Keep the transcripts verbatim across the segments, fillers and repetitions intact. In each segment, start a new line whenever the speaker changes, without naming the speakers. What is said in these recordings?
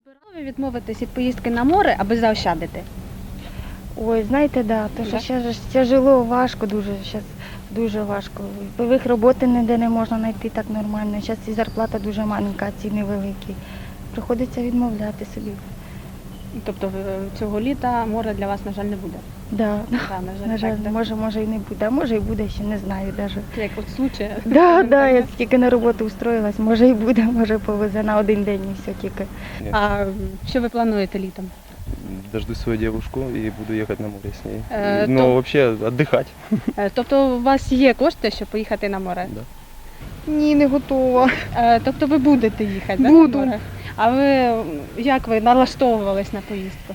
Готові відмовитись від поїздки на море, аби заощадити?
Ой, знаєте, да, то що
Да?
ще ж тяжело, важко дуже, зараз дуже важко. Певих роботи ніде не можна знайти так нормально. Зараз і зарплата дуже маленька, а ціни великі. Приходиться відмовляти собі.
Тобто в- цього літа море для вас, на жаль, не буде?
Да.
Да, на жаль,
На жаль,
так, да?
може, може і не буде, а може і буде, ще не знаю навіть.
Це як от случай.
Да, да, я тільки на роботу устроїлась, може і буде, може повезе на один день і все тільки.
А що ви плануєте літом?
Дожду свою девушку и буду ехать на море с ней.
Э,
Но
то-
вообще отдыхать.
Е, Тобто у вас є кошти, щоб поїхати на море?
Да.
Ні, не готова.
Е, Тобто ви будете їхати, да,
Буду.
на море? А ви як ви налаштовувались на поїздку?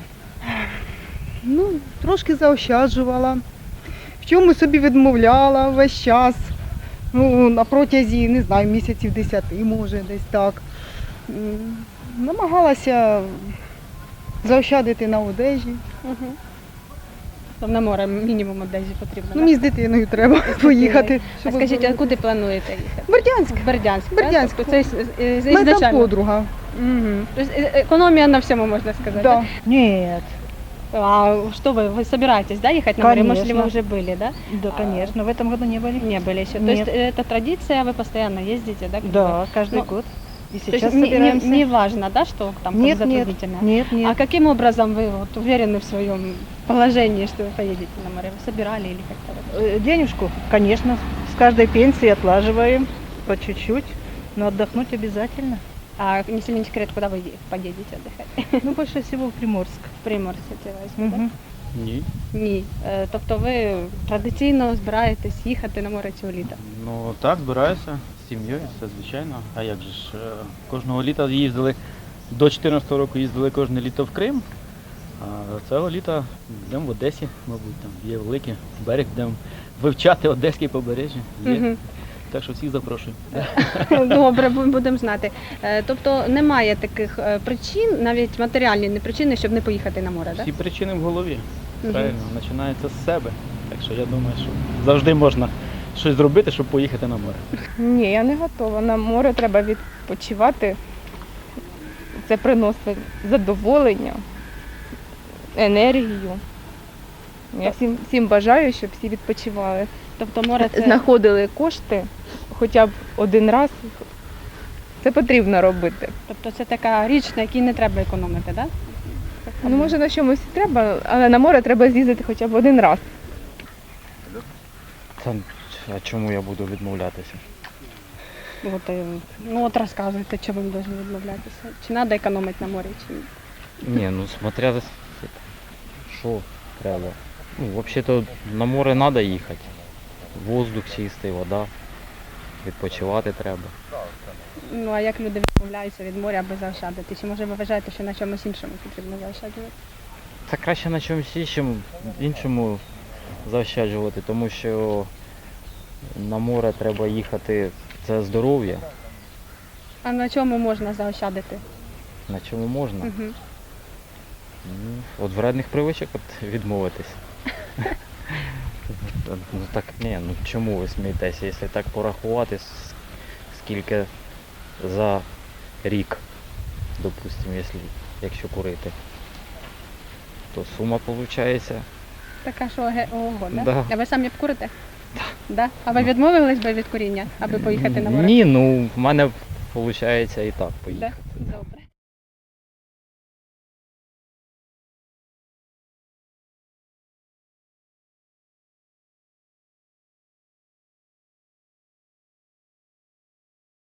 Ну, трошки заощаджувала. В чому собі відмовляла весь час. Ну, на протязі, не знаю, місяців десяти, може, десь так. М, Намагалася заощадити на одежі.
Угу. Тобто на море мінімум одежі потрібно.
Ну,
да?
мені з дитиною треба поїхати.
А
щоб
скажіть, а
оздоровити.
куди плануєте їхати?
Бердянськ.
В Бердянськ. так?
Бердянськ.
Тобто це з- з- з-
Мене там
ізначально?
подруга.
Мгм. То есть э, экономия на всем, можно сказать.
Да.
Ні,
Да? А что вы, вы собираетесь, да, ехать на море? Может, ли вы
Конечно.
уже были, да?
да, звісно, в этом году не були.
Не были еще. То
Нет.
есть э, это традиция, вы постоянно ездите, да? как бы?
Да, каждый
Ну,
год. И
То есть
сейчас
не, не-
собираемся.
не важно, да, что там как
Нет, нет,
затруднительно?
нет, нет.
А каким образом вы вот уверены в своем положении, что вы поедете на море? Вы собирали или как-то? вот?
Э, Денежку, конечно, с каждой пенсии отлаживаем по чуть-чуть, но отдохнуть обязательно.
А если не секрет, куда вы е- поедете отдыхать?
Ну, больше всего в Приморск.
В Приморськ возьму, да?
Мгм.
Ні.
Ні. Е, Тобто ви традиційно збираєтесь їхати на море цього літа?
Ну так, збираюся з сім'єю, це звичайно. А як же ж, е, кожного літа їздили, до дві тисячі чотирнадцятого року їздили кожне літо в Крим. А цього літа йдемо в Одесі, мабуть, там є великий берег, будемо вивчати Одеське побережжя. Є.
Мгм.
Так що всіх запрошую.
Добре, бу- будемо знати. Е, Тобто немає таких е, причин, навіть матеріальні не причини, щоб не поїхати на море, так?
Всі причини в голові.
Мгм.
Правильно, починається з себе. Так що я думаю, що завжди можна щось зробити, щоб поїхати на море.
Ні, я не готова. На море треба відпочивати. Це приносить задоволення, енергію. Я всім, всім бажаю, щоб всі відпочивали.
Тобто море це
Знаходили кошти хоча б один раз. Це потрібно робити.
тобто це така річ, на якій не треба економити, так?
Ну, може, на чомусь і треба, але на море треба з'їздити хоча б один раз.
Та, а чому я буду відмовлятися?
От, е, ну от розказуйте, чому ви повинні відмовлятися. Чи треба економити на морі, чи ні?
Ні, ну смотря за- що треба. Ну, взагалі-то на море треба їхати. Воздух чистий, вода. Відпочивати треба.
Ну а як люди відмовляються від моря, аби заощадити? Чи може ви вважаєте, що на чомусь іншому потрібно заощаджувати?
Та краще на чомусь іншому, іншому заощаджувати, тому що на море треба їхати, це здоров'я,
А на чому можна заощадити?
на чому можна.
Угу.
Ну, от вредних привичок от відмовитись. Ну так ні, ну чому ви смієтеся, якщо так порахувати, с- скільки за рік, допустимо, якщо, якщо курити, то сума виходить.
Така що ге- ого, да?
Да.
А ви самі б курите? Да. А ви відмовились би від куріння, аби поїхати на море?
Ні, ну в мене виходить і так
Да?
поїхати.
Добре.